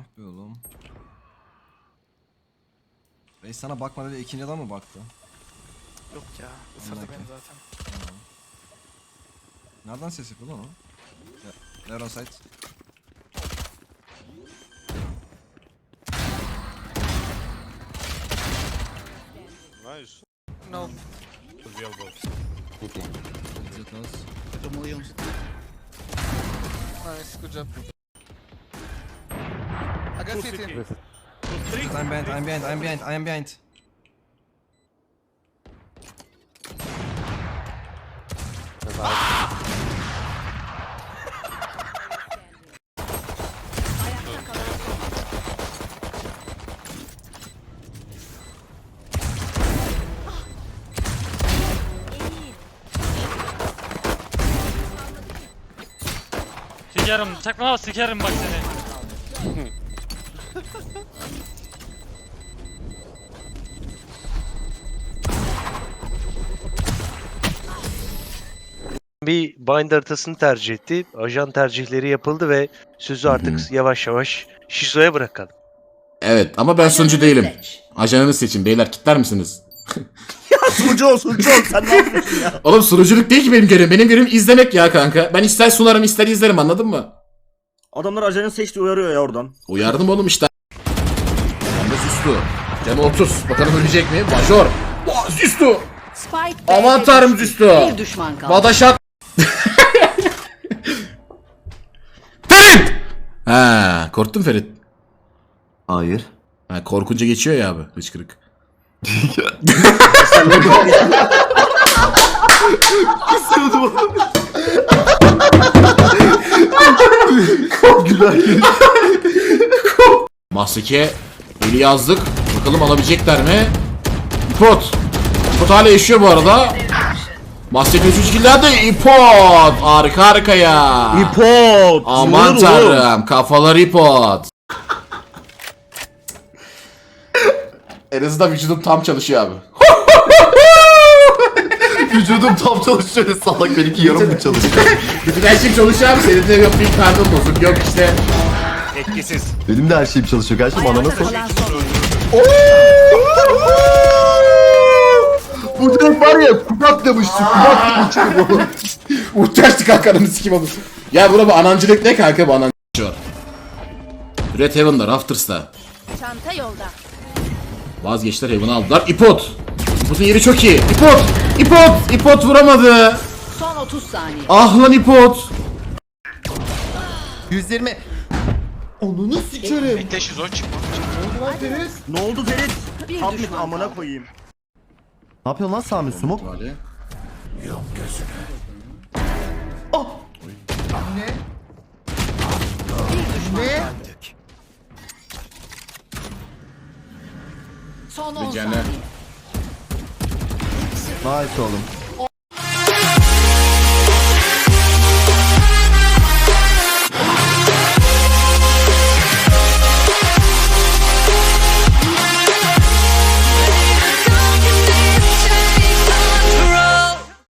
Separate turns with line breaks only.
Ah be oğlum. Reis sana bakmadı ve ikinci adam mı baktı?
Yok ya. Isırdı
Anladım.
beni zaten.
Tamam. Nereden ses yapıyor lan o? Neuron site.
Nice.
No.
Real box.
It knows.
Nice. Good job. I got CT.
I'm behind, I'm behind, I'm behind, I'm behind.
Sikerim, çakma sikerim bak seni.
Bir bind haritasını tercih etti. Ajan tercihleri yapıldı ve sözü artık yavaş yavaş Şizo'ya bırakalım.
Evet ama ben sunucu değilim. Ajanını seçin beyler, kitler misiniz?
Sunucu ol sen ne yapıyorsun ya?
Oğlum sunuculuk değil ki benim görevim. Benim görevim izlemek ya kanka. Ben ister sunarım ister izlerim, anladın mı?
Adamlar ajanı seçti uyarıyor ya oradan.
Uyardım oğlum işte. Canı sustu. Canı 30. Bakalım ölecek mi? Major. Züstü. Aman tanrım Züstü.
Bir düşman kaldı.
Badaşat. Ferit! Ha, korktun Ferit.
Hayır.
Ha, korkunca geçiyor ya abi hıçkırık. Mahseke eli yazdık. Bakalım alabilecekler mi? İpot. İpot hala yaşıyor bu arada. Mahseke 3 killerde İpot. Arka arkaya.
İpot.
Aman tanrım. Kafalar İpot. En azından vücudum tam çalışıyor abi.
Vücudum tam çalışıyor. Salak benimki yarım mı çalışıyor?
Bütün her şey çalışıyor abi. Senin de yok bir karnın bozuk. Yok işte.
Etkisiz.
Benim de her şeyim çalışıyor. Kardeşim anana sor.
Kalan son oyun.
Bu direkt var ya kubat demişti. Kubat demişti.
Uğraştı kankanın sikim olur. Ya bura bu anancılık ne kanka, bu anancılık var. Red Heaven'da, Rafters'ta.
Çanta yolda.
Vazgeçtiler, Heaven'ı aldılar. İpot. İpot'un yeri çok iyi. İpot. İpot. İpot vuramadı.
Son 30 saniye.
Ah lan İpot.
120. Onunu sikerim.
Bekle şizo çıkma.
Ne oldu Ferit?
Bir
Tam
düşman
amına
kaldı.
koyayım.
Ne yapıyorsun lan Sami Sumuk?
Son 10
Canım.
saniye.
Nice oğlum.